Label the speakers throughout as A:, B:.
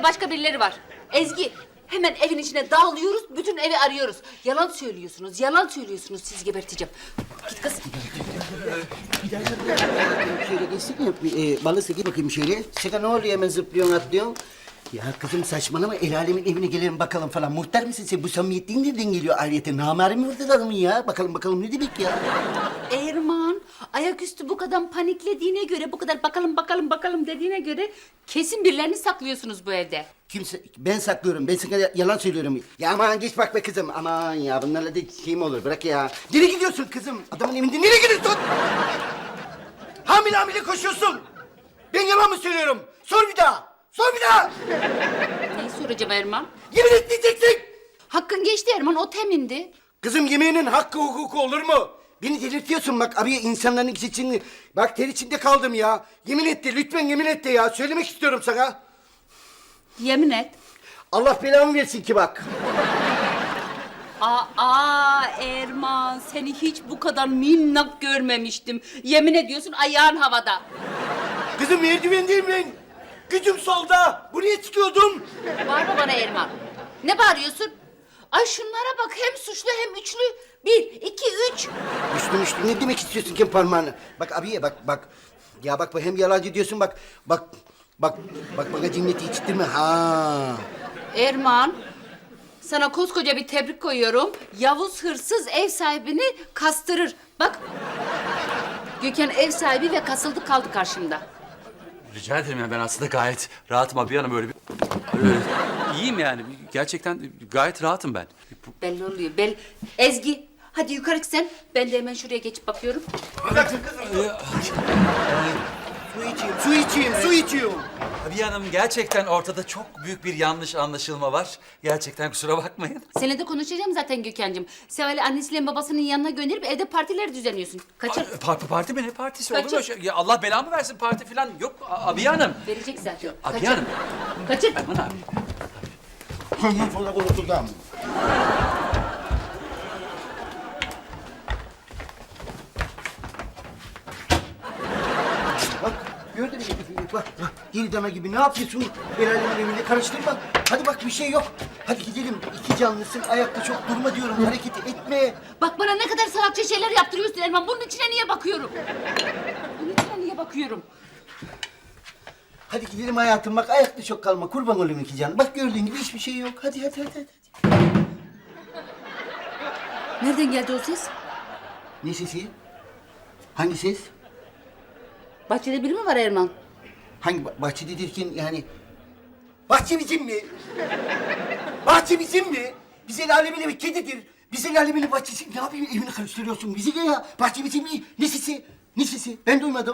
A: evde başka birileri var. Ezgi, hemen evin içine dağılıyoruz, bütün evi arıyoruz. Yalan söylüyorsunuz, yalan söylüyorsunuz. Sizi geberteceğim. Git kız.
B: Şöyle geçsin ya, balı seki bakayım şöyle. Sana ne oluyor, hemen zıplıyorsun, atlıyorsun? Ya kızım saçmalama, el alemin evine gelelim bakalım falan. Muhtar mısın sen? Bu samimiyetliğin nereden geliyor ayrıyeten? Namari mi vurdu adamın ya? Bakalım ne demek ya?
A: Erman, ayaküstü bu kadar paniklediğine göre, bu kadar bakalım dediğine göre kesin birilerini saklıyorsunuz bu evde.
B: Kimse, ben saklıyorum, ben sana yalan söylüyorum. Ya aman geç bak be kızım, aman ya bunlarla da şey mi olur, bırak ya. Nereye gidiyorsun kızım? Adamın evinde nereye gidiyorsun? Hamile koşuyorsun. Ben yalan mı söylüyorum? Sor bir daha, sor bir daha.
A: Neyi soracağım Erman?
B: Yemin etmeyeceksin.
A: Hakkın geçti Erman, o temindi.
B: Kızım yemeğinin hakkı hukuku olur mu? Beni delirtiyorsun bak abiye, insanların içinde. Bak ter içinde kaldım ya. Yemin etti, lütfen yemin etti ya. Söylemek istiyorum sana.
A: Yemin et.
B: Allah belamı versin ki bak.
A: Aa Erman, seni hiç bu kadar minnak görmemiştim. Yemin ediyorsun ayağın havada.
B: Kızım merdivendeyim ben. Gücüm solda. Buraya çıkıyordum.
A: Bağırma bana Erman. Ne bağırıyorsun? Ay şunlara bak, hem suçlu hem üçlü. 1, 2, 3.
B: Müslüm ne demek istiyorsun ki parmağını? Bak abiye bak. Ya bak hem yalancı diyorsun bak bana cinneti içtirme ha.
A: Erman, sana koskoca bir tebrik koyuyorum. Yavuz hırsız ev sahibini kastırır. Bak, Gökhan ev sahibi ve kasıldı kaldı karşımda.
C: Rica ederim ya, ben aslında gayet rahatım abi hanım, öyle bir... iyiyim yani, gerçekten gayet rahatım ben.
A: Belli oluyor, Ezgi, hadi yukarı çık sen. Ben de hemen şuraya geçip bakıyorum.
B: Su içeyim.
C: Abi hanım, gerçekten ortada çok büyük bir yanlış anlaşılma var. Gerçekten kusura bakmayın.
A: Seninle de konuşacağım zaten Gökhan'cığım. Seval'i annesiyle babasının yanına gönderip evde partiler düzenliyorsun. Kaçır.
C: Parti mi? Ne partisi? Olur mu?
A: Kaçır.
C: Ya Allah belamı versin, parti falan yok. Abi hanım.
A: Verecek zaten.
C: Abi
A: Kaçır.
C: hanım.
A: Kaçır.
C: Aman abi.
B: Sonra konuşacağım. Bak gördün mü? Bak geri dama gibi ne yapıyorsun? El alemin evinde karıştırma. Hadi bak bir şey yok. Hadi gidelim. İki canlısın, ayakta çok durma diyorum. Hareket etme.
A: Bak bana ne kadar salakça şeyler yaptırıyorsun Erman. Bunun içine niye bakıyorum? Bunun içine niye bakıyorum?
B: Hadi gidelim hayatım, bak ayakta çok kalma. Kurban olayım iki can. Bak gördüğün gibi hiçbir şey yok. Hadi.
A: Nereden geldi o ses?
B: Ne sesi? Hangi ses?
A: Bahçede biri mi var Erman?
B: Hangi bahçede derken yani? Bahçe bizim mi? Bahçe bizim mi? Biz el alemin evi kedidir. Biz el alemin bahçesi. Ne yapayım, evini karıştırıyorsun? Bizi ne ya? Bahçe bizim mi? Ne sesi? Ne sesi? Ben duymadım.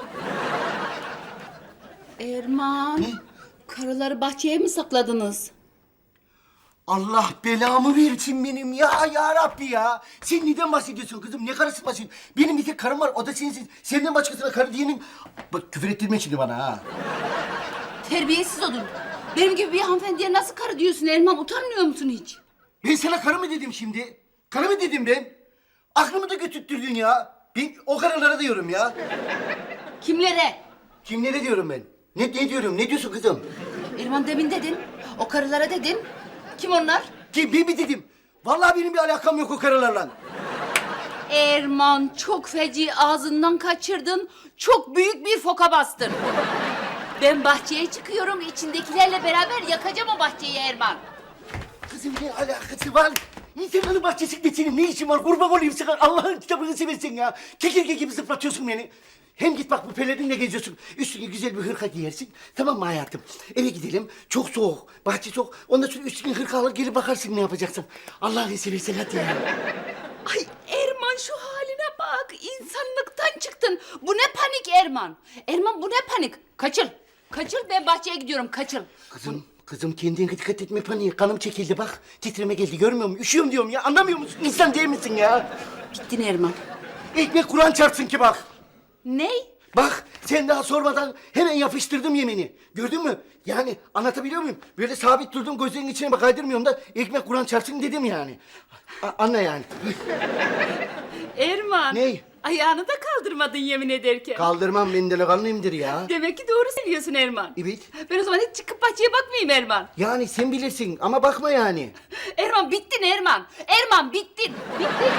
A: Erman.
B: Ne?
A: Karıları bahçeye mi sakladınız?
B: Allah belamı versin benim ya Rabbi ya. Sen neden bahsediyorsun kızım? Ne karısı bahsediyorsun? Benim bir tek karım var, o da sensin. Senden başkasına karı diyenin... Bak küfür ettirme şimdi bana ha.
A: Terbiyesiz olun. Benim gibi bir hanımefendiye nasıl karı diyorsun Erman? Utanmıyor musun hiç?
B: Ben sana karı mı dedim şimdi? Karı mı dedim ben? Aklımı da götürttürdün ya. Ben o karılara diyorum ya.
A: Kimlere?
B: Kimlere diyorum ben? Ne diyorum? Ne diyorsun kızım?
A: Erman demin dedin. O karılara dedin. Kim onlar?
B: Kim, ben mi dedim? Vallahi benim bir alakam yok o karılarla.
A: Erman, çok feci ağzından kaçırdın. Çok büyük bir foka bastın. Ben bahçeye çıkıyorum. İçindekilerle beraber yakacağım o bahçeyi Erman.
B: Kızım ne alakası var? İnsanların bahçesinde senin ne işin var? Kurban olayım sana. Allah'ın kitabını seversen ya. Kekirge gibi zıplatıyorsun beni. Hem git bak bu pelerinle geziyorsun. Üstüne güzel bir hırka giyersin. Tamam mı hayatım? Eve gidelim. Çok soğuk. Bahçe soğuk. Ondan sonra üstüne hırka alır gelip bakarsın ne yapacaksın. Allah'ını seversen hadi ya.
A: Ay Erman şu haline bak. İnsanlıktan çıktın. Bu ne panik Erman? Erman bu ne panik? Kaçıl. Kaçıl, ben bahçeye gidiyorum. Kaçıl.
B: Kızım kendine dikkat etme paniğe. Kanım çekildi bak. Titreme geldi görmüyor musun? Üşüyorum diyorum ya. Anlamıyor musun? İnsan değil misin ya?
A: Bittin Erman.
B: Ekmek Kur'an çarpsın ki bak.
A: Ney?
B: Bak sen daha sormadan hemen yapıştırdım yemini. Gördün mü? Yani anlatabiliyor muyum? Böyle sabit durdum, gözlerinin içine bak kaydırmıyorum da ekmek Kur'an çarpsın dedim yani. Anla yani.
A: Erman.
B: Ney?
A: Ayağını da kaldırmadın yemin ederken.
B: Kaldırmam, ben delikanlıyımdır ya.
A: Demek ki doğru söylüyorsun Erman.
B: Evet.
A: Ben o zaman hiç çıkıp bahçeye bakmayayım Erman.
B: Yani sen bilirsin ama bakma yani.
A: Erman bittin Erman. Erman bittin. Bittin.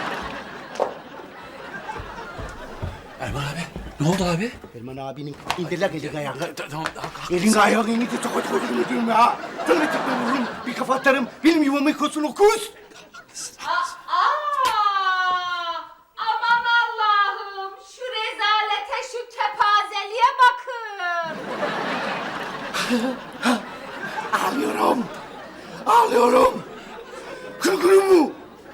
C: Erman abi, ne oldu abi?
B: Erman abinin indirler elini ayağını.
C: Tamam,
B: Elini ayağını indir, çok koydum ediyorum ya. Tırnı tıkla vururum, bir kafa atarım. Benim yuvamı yıkıyorsun o kuz.
A: Aman Allah'ım. Şu rezalete, şu kepazeliğe bakın.
B: Ağlıyorum. Ağlıyorum. Kırgınım mu?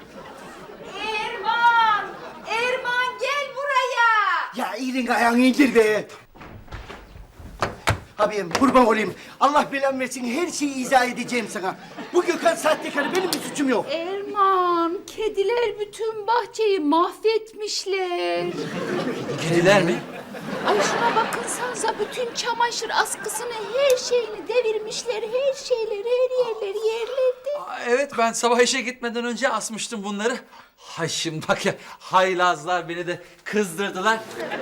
A: Erman. Erman gel buraya.
B: Ya elini ayağını indir be. Abim kurban olayım. Allah belamı versin, her şeyi izah edeceğim sana. Bu Gökhan sahtekarı, benim bir suçum yok.
A: Erman, kediler bütün bahçeyi mahvetmişler.
C: Kediler mi?
A: Ay şuna bakınsanıza, bütün çamaşır askısını, her şeyini devirmişler. Her şeyler, her yerleri yerledi.
C: Aa, evet, ben sabah işe gitmeden önce asmıştım bunları. Hay şimdi bak ya, haylazlar beni de kızdırdılar.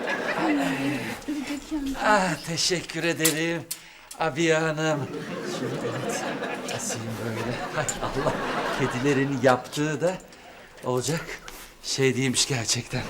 C: Teşekkür ederim Abiye Hanım. Şimdi evet, asayım böyle. Hay Allah, kedilerin yaptığı da olacak şey değilmiş gerçekten.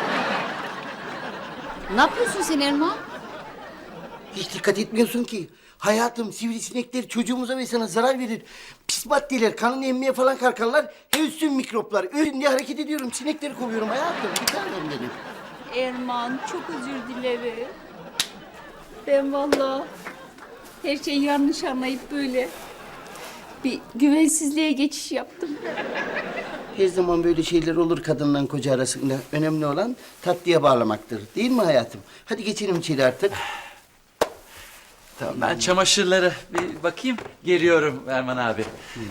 A: Ne yapıyorsun sen Erman?
B: Hiç dikkat etmiyorsun ki. Hayatım, sivrisinekler çocuğumuza ve sana zarar verir. Pis maddeler, kanını emmeye falan kalkarlar. Hepsi mikroplar. Ölün diye hareket ediyorum, sinekleri kovuyorum hayatım. Bir tanem benim.
A: Erman, çok özür dilerim. Ben vallahi her şeyi yanlış anlayıp böyle bir güvensizliğe geçiş yaptım.
B: Her zaman böyle şeyler olur kadınla koca arasında. Önemli olan tatlıya bağlamaktır. Değil mi hayatım? Hadi geçelim içeri artık.
C: Tamam, ben çamaşırları bir bakayım, geliyorum Erman abi.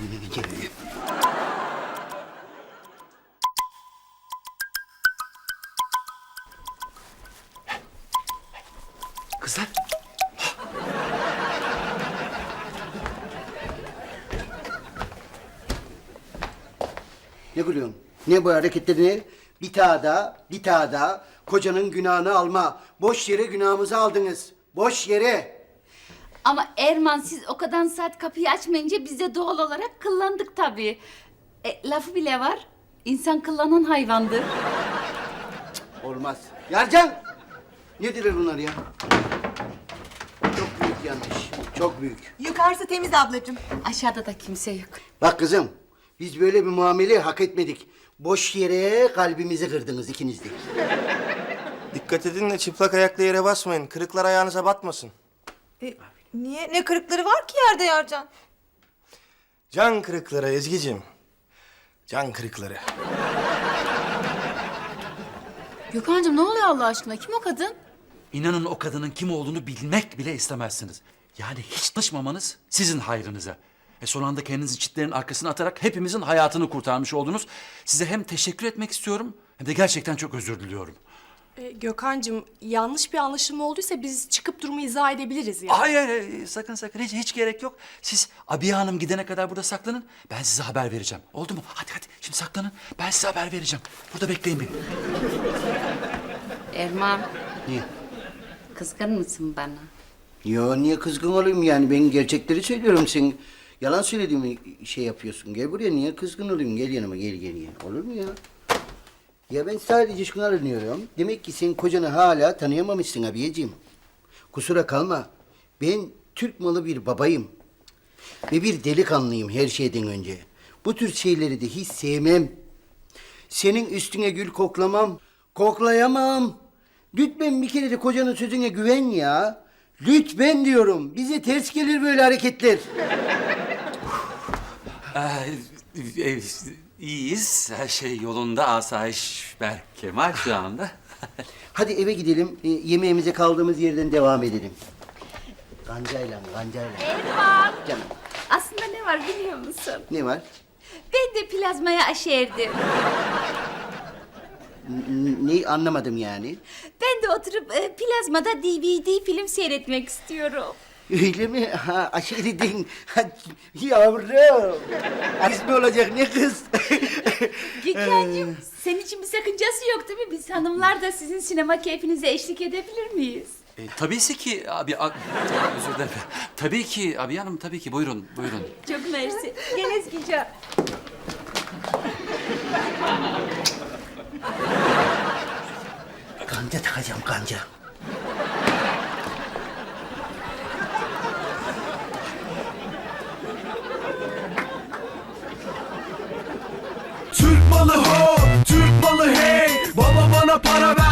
C: Kızlar.
B: Ne gülüyorsun? Ne bu hareketlerini? Bir daha da kocanın günahını alma. Boş yere günahımızı aldınız. Boş yere.
A: Ama Erman, siz o kadar saat kapıyı açmayınca biz de doğal olarak kıllandık tabii. Lafı bile var. İnsan kıllanan hayvandır.
B: Olmaz. Yarcan! Ne diler bunlar ya? Çok büyük yanlış. Çok büyük.
D: Yukarısı temiz ablacığım.
A: Aşağıda da kimse yok.
B: Bak kızım, biz böyle bir muameleyi hak etmedik. Boş yere kalbimizi kırdınız ikiniz de.
E: Dikkat edin de çıplak ayakla yere basmayın. Kırıklar ayağınıza batmasın.
D: Niye? Ne kırıkları var ki yerde Yarcan?
E: Can kırıkları Ezgi'cim. Can kırıkları.
A: Gökhan'cığım ne oluyor Allah aşkına? Kim o kadın?
C: İnanın o kadının kim olduğunu bilmek bile istemezsiniz. Yani hiç tanışmamanız sizin hayrınıza. Son anda kendinizi çitlerin arkasına atarak hepimizin hayatını kurtarmış oldunuz. Size hem teşekkür etmek istiyorum hem de gerçekten çok özür diliyorum.
F: Gökhan'cığım, yanlış bir anlaşılma olduysa biz çıkıp durumu izah edebiliriz yani.
C: Hayır, sakın hiç gerek yok. Siz Abiye Hanım gidene kadar burada saklanın. Ben size haber vereceğim. Oldu mu? Hadi şimdi saklanın. Ben size haber vereceğim. Burada bekleyin beni.
A: Erman,
B: Niye?
A: kızgın mısın bana?
B: Yo, niye kızgın olayım yani? Ben gerçekleri söylüyorum. Sen yalan söylediğimi şey yapıyorsun. Gel buraya, niye kızgın olayım? Gel yanıma, gel. Olur mu ya? Ya ben sadece şunu aranıyorum. Demek ki sen kocanı hala tanıyamamışsın abiyeciğim. Kusura kalma. Ben Türk malı bir babayım. Ve bir delikanlıyım her şeyden önce. Bu tür şeyleri de hiç sevmem. Senin üstüne gül koklamam. Koklayamam. Lütfen bir kere de kocanın sözüne güven ya. Lütfen diyorum. Bize ters gelir böyle hareketler.
C: İyiyiz. Her şey yolunda. Asayiş Berkemal şu anda.
B: Hadi eve gidelim. Yemeğimize kaldığımız yerden devam edelim. Gancayla.
A: Erman,
B: Canım,
A: aslında ne var biliyor musun?
B: ne var?
A: Ben de plazmaya aşerdim.
B: Ne anlamadım yani.
A: Ben de oturup plazmada DVD film seyretmek istiyorum.
B: Öyle mi? Ha, aşiretin. Ha, yavrum. Kız mı olacak ne kız?
A: Gökhan'cığım senin için bir sakıncası yok değil mi? Biz hanımlar da sizin sinema keyfinize eşlik edebilir miyiz?
C: Tabii ki abi, özür dilerim. Tabii ki abi hanım, tabii ki. Buyurun, buyurun.
A: Çok mersi.
D: Gel Ezgi'ciğim.
B: Kanca takacağım kanca.
G: Türk malı ho, Türk malı hey. Baba bana para ver.